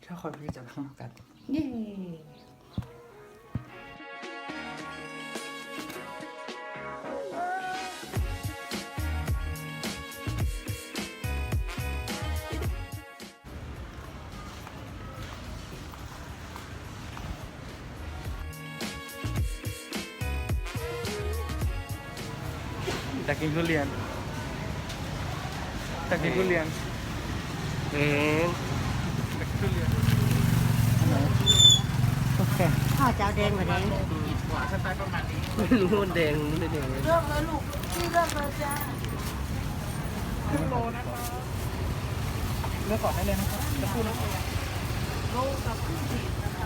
ถ้าคนพี่จะข้างนอกกันเย้อยากกินทุเรียนอยากกินทุเรียนเอ๊ะอยากกินทุเรียนอันไหนโอเคข้าวเจ้าแดงกว่าแดงไม่รู้มันแดงไม่แดงเลือกเลยลูกพี่เลือกเลยจ้าเลือกก่อนได้เลยนะครับจะพูดนะโลกับครึ่งขีดนะคะ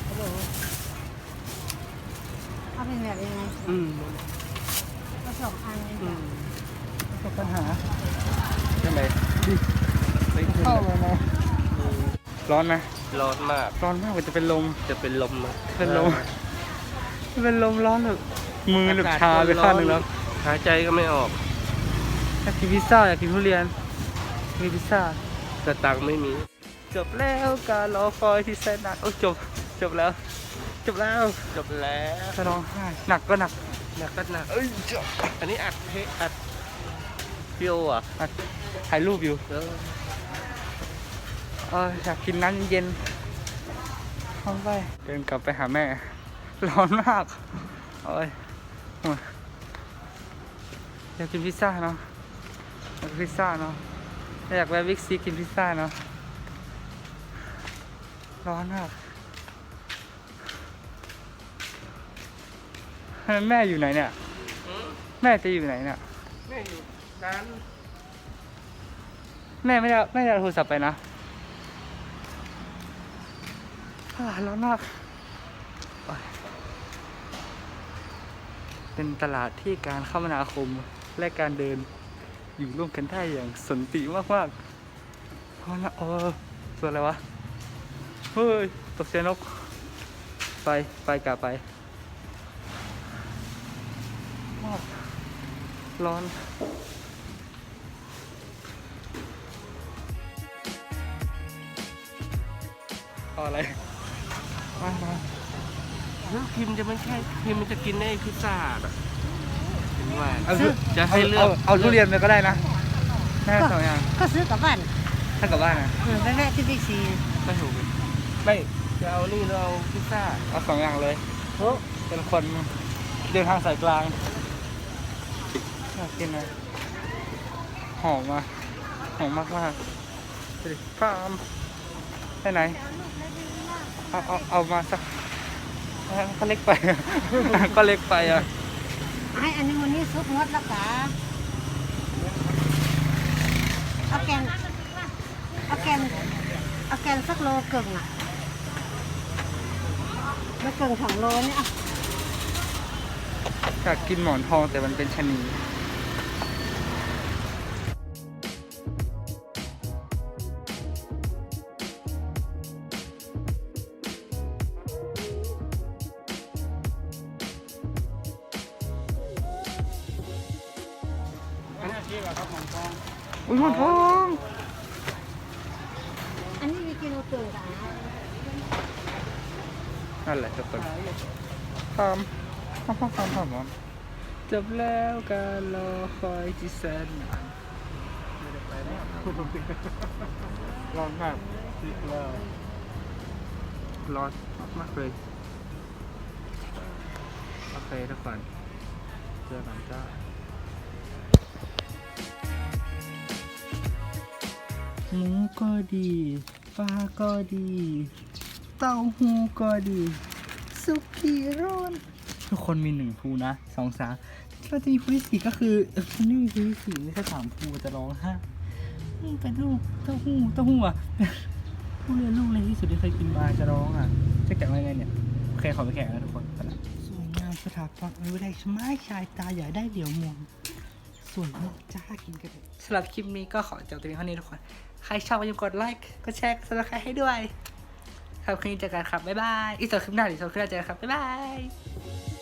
เอาเป็นแบบยังไงอืมผสมอันเลยอืจ้ะมไม่ปัญหาใช่ไหมดิเข้าเลยนะร้อนไหมร้อนมากร้อนมากกว่าจะเป็นลมจะเป็นลมอะเป็นลม เป็นลมร้อนแบบมือแบบชาไปข้างหนึงแล้วหายใจก็ไม่ออกอยากกินพิซซ่าอยากกินทุเรียนมีพิซซ่ากระตังไม่มีจบแล้วการรอคอยที่แสนนานโอ้จบแล้ว จบแล้วจบแล้วจะร้องไห้หนักก็หนักหนักก็หนักเอ้ยจบอันนี้อัดพี่โออ่ะอ่ะถ่ายรูปอยู่เอออยากกินน้ำเย็นๆเข้าไปเดินกลับไปหาแม่ ร้อนมากโอ้ยอยากกินพิซซ่าเนาะอยากกินพิซซ่าเนาะอยากแวะบิ๊กซีกินพิซซ่าเนาะร้อนมากแม่อยู่ไหนเนี่ยอืมแม่จะอยู่ไหนเนี่ยแม่อยู่ร้านแม่ไม่ได้เอาโทรศัพท์ไปนะร้อนมากโอ๊ยเป็นตลาดที่การคมนาคมและการเดินอยู่ร่วมกันได้อย่างสันติมากๆเพราะนะส่วนอะไรวะ เฮ้ย ตกเสียนก ไปกลับไปร้อน เอาอะไร มาแล้วพิมพ์จะไม่ใช่พิมพ์มันจะกินได้พิซซ่าอ่ะเห็นว่าเอาจะให้เลือกเอาทุเรียนไปก็ได้นะได้สองอย่างก็ซื้อกลับบ้านถ้ากลับบ้านนะไปแวะที่บิ๊กซีไม่ถูกไม่จะเอานี่เราเอาพิซซ่าเอาสองอย่างเลยเป็นคนเดินทางสายกลางอยากกินอะไรหอมอ่ะหอมมากๆดูดิฟาร์มไปไหน เอามาสักก็เล็กไป ก็เล็กไปอ่ะให้อันนี้วันนี้ซุปงดแล้วกะเอาแกงสักโลเกิงอ่ะแล้วเกิง2 โลเนี่ยอ่ะอยากกินหมอนทองแต่มันเป็นชะนีอุ้ยหมอนทองอันนี้มีกิโลเกิงกะนั่นแหละทุกคนทำจบแล้วการรอคอยที่แสนนานร้อนมากร้อนมากเลยโอเคทุกคนเจอกันจ้าหมูก็ดีปลาก็ดีเต้าหู้ก็ดีสุกี้ร้อนทุกคนมี1 ภูนะ2 3เราจะมีภูที่4ก็คือมันไม่มีภูที่4ไม่ใช่3 ภูจะร้องไห้เป็นลูกเต้าหู้อ่ะผู้เรียนลูกเล็กที่สุดที่เคยกินมาจะร้องอ่ะจะแกะไงเนี่ยโอเคขอไปแกะแล้วทุกคนไปละสวยงามสถาปัตย์วิไลไม้ชายตาใหญ่ได้เหลียวมองสวยมากจ้ากินกันเลยสำหรับคลิปนี้ก็ขอจบตรงนี้เท่านี้ทุกคนใครชอบอย่าลืมกดไลค์กดแชร์กด Subscribe ให้ด้วยครับคืนนี้เจอกันครับบ๊ายบายอีก2 คลิปหน้าเดี๋ยว2 คลิปหน้าเจอกันครับบ๊ายบาย